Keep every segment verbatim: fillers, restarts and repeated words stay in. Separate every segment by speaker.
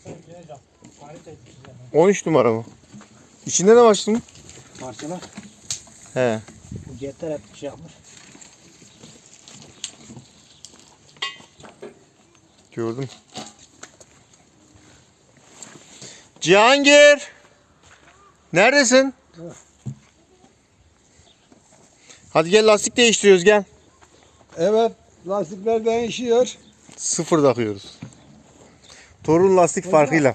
Speaker 1: on üç numara mı? İçinde ne var şimdi?
Speaker 2: Parçalar.
Speaker 1: He.
Speaker 2: Bu jetler hep şey yapmış.
Speaker 1: Gördüm. Cihangir! Neredesin?
Speaker 2: Evet.
Speaker 1: Hadi gel lastik değiştiriyoruz gel.
Speaker 3: Evet, lastikler değişiyor.
Speaker 1: Sıfır takıyoruz. Torun lastik farkıyla.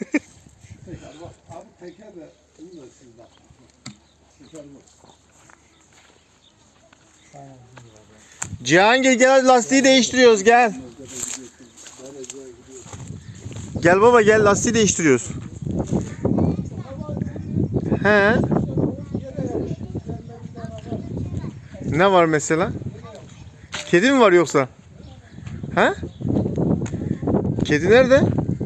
Speaker 3: Abi teker de iyi de siz bak. Teker bu.
Speaker 1: Cihangir gel hadi lastiği değiştiriyoruz gel. Gel baba gel lastiği değiştiriyoruz. He. Ne var mesela? Kedi mi var yoksa? He? Kedi nerede?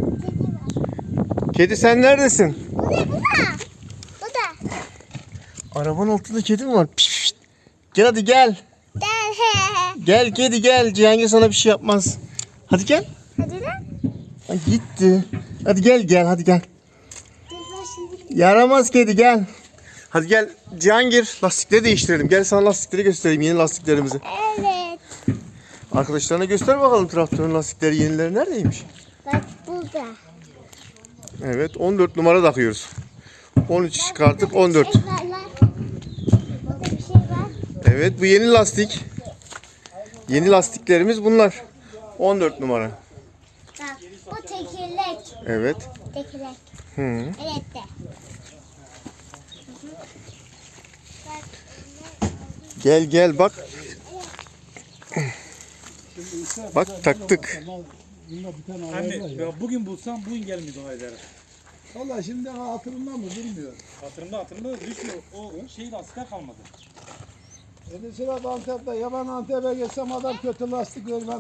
Speaker 1: Kedi sen neredesin?
Speaker 4: Bu da, bu da. Bu da.
Speaker 1: Arabanın altında kedi mi var? Piş, piş. Gel hadi gel.
Speaker 4: Gel.
Speaker 1: Gel kedi gel. Cihangir sana bir şey yapmaz. Hadi gel.
Speaker 4: Hadi lan.
Speaker 1: Ay, gitti. Hadi gel gel hadi gel.
Speaker 4: Dur ben şimdi.
Speaker 1: Yaramaz kedi gel. Hadi gel Cihangir lastikleri değiştirelim. Gel sana lastikleri göstereyim yeni lastiklerimizi.
Speaker 4: Evet.
Speaker 1: Arkadaşlarına göster bakalım traktörün lastikleri yenileri neredeymiş?
Speaker 4: Bak burada.
Speaker 1: Evet on dört numara takıyoruz. on üç çıkarttık on dört.
Speaker 4: Şey var lan. Burada bir şey var.
Speaker 1: Evet bu yeni lastik. Yeni lastiklerimiz bunlar. on dört numara.
Speaker 4: Bak bu tekerlek.
Speaker 1: Evet.
Speaker 4: Tekerlek.
Speaker 1: Hı.
Speaker 4: Evet de.
Speaker 1: Gel gel bak. Bak taktık.
Speaker 3: Bunda bir tane
Speaker 2: Anne,
Speaker 3: ayar var ya.
Speaker 2: ya bugün bulsam bugün gelmedi o ederim.
Speaker 3: Valla şimdi hatırımda mı bilmiyorum.
Speaker 2: Hatırımda hatırımda düşmüyor. O şey lastikler kalmadı.
Speaker 3: E mesela Antep'te yaban Antep'e geçsem adam kötü lastik vermez.